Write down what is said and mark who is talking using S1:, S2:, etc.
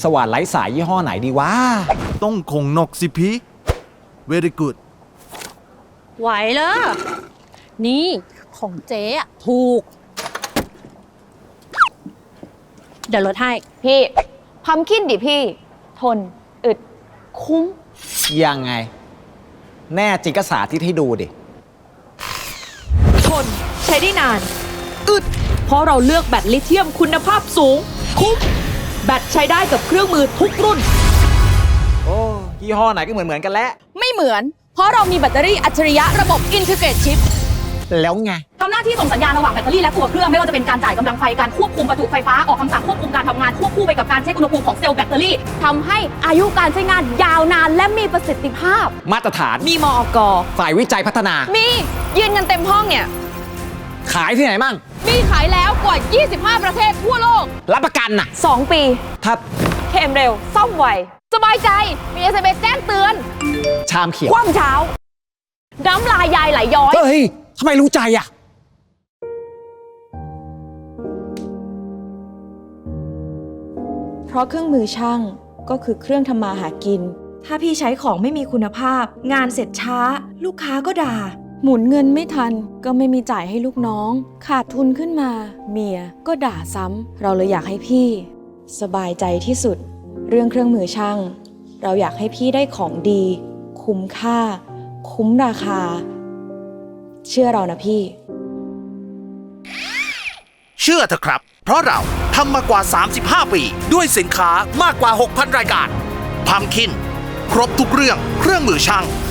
S1: สว่านไร้สายยี่ห้อไหนดีวะ
S2: ต้องคงนกสิพี่ very good
S3: ไหวเลยนี่ของเจ๊อะถูก เดี๋ยวลดให้
S4: พี่พัมคินดิพี่ ทน อึด คุ้ม
S1: ยังไง แน่จริงก็สาธิตให้ดูดิ
S5: ทนใช้ได้นาน อึด เพราะเราเลือกแบตลิเธียมคุณภาพสูง คุ้ม แบตใช้ได้กับเครื่องมือทุกรุ่น
S1: โอ้ยี่ห้อไหนก็เหมือนกันแล้ว
S4: ไม่เหมือน เพราะเรามีแบตเตอรี่อัจฉริยะระบบ Integrate Chip
S1: แล้วไง
S6: ทำหน้าที่ส่งสัญญาณระหว่างแบตเตอรี่และตัวเครื่องไม่ว่าจะเป็นการจ่ายกำลังไฟการควบคุมประจุไฟฟ้าออกคำสั่งควบคุมการทำงานควบคู่ไปกับการเช็คอุณหภูมิของเซลล์แบตเตอรี่
S4: ทำให้อายุการใช้งานยาวนานและมีประสิทธิภาพ
S1: มาตรฐาน
S5: มีมอกอ
S1: ฝ่ายวิจัยพัฒนา
S4: มียืนกันเต็มห้องเนี่ย
S1: ขายที่ไหนมั่ง
S4: มีขายแล้วกว่า 25 ประเทศทั่วโลก
S1: รับประกันน่ะ
S4: 2 ปี
S1: ถ้า
S4: เคมเร็ว ซ่อมไว สบายใจ มี SMS แจ้งเตือน
S1: ชามเขียว
S4: คว่ำเช้า น้ำลายยายไหลย้อย
S1: เฮ้ยทำไมรู้ใจอ่ะ
S7: เพราะเครื่องมือช่างก็คือเครื่องทำมาหากิน ถ้าพี่ใช้ของไม่มีคุณภาพ งานเสร็จช้า ลูกค้าก็ด่า หมุนเงินไม่ทันก็ไม่มีจ่ายให้ลูกน้อง ขาดทุนขึ้นมา เมียก็ด่าซ้ำเราเลยอยากให้พี่ สบายใจที่สุด เรื่องเครื่องมือช่าง เราอยากให้พี่ได้ของดี คุ้มค่า คุ้มราคา เชื่อเรานะพี่
S8: เชื่อเถอะครับ เพราะเราทำมากว่า 35 ปี ด้วยสินค้ามากกว่า 6,000 รายการพัมคิน ครบทุกเรื่องเครื่องมือช่าง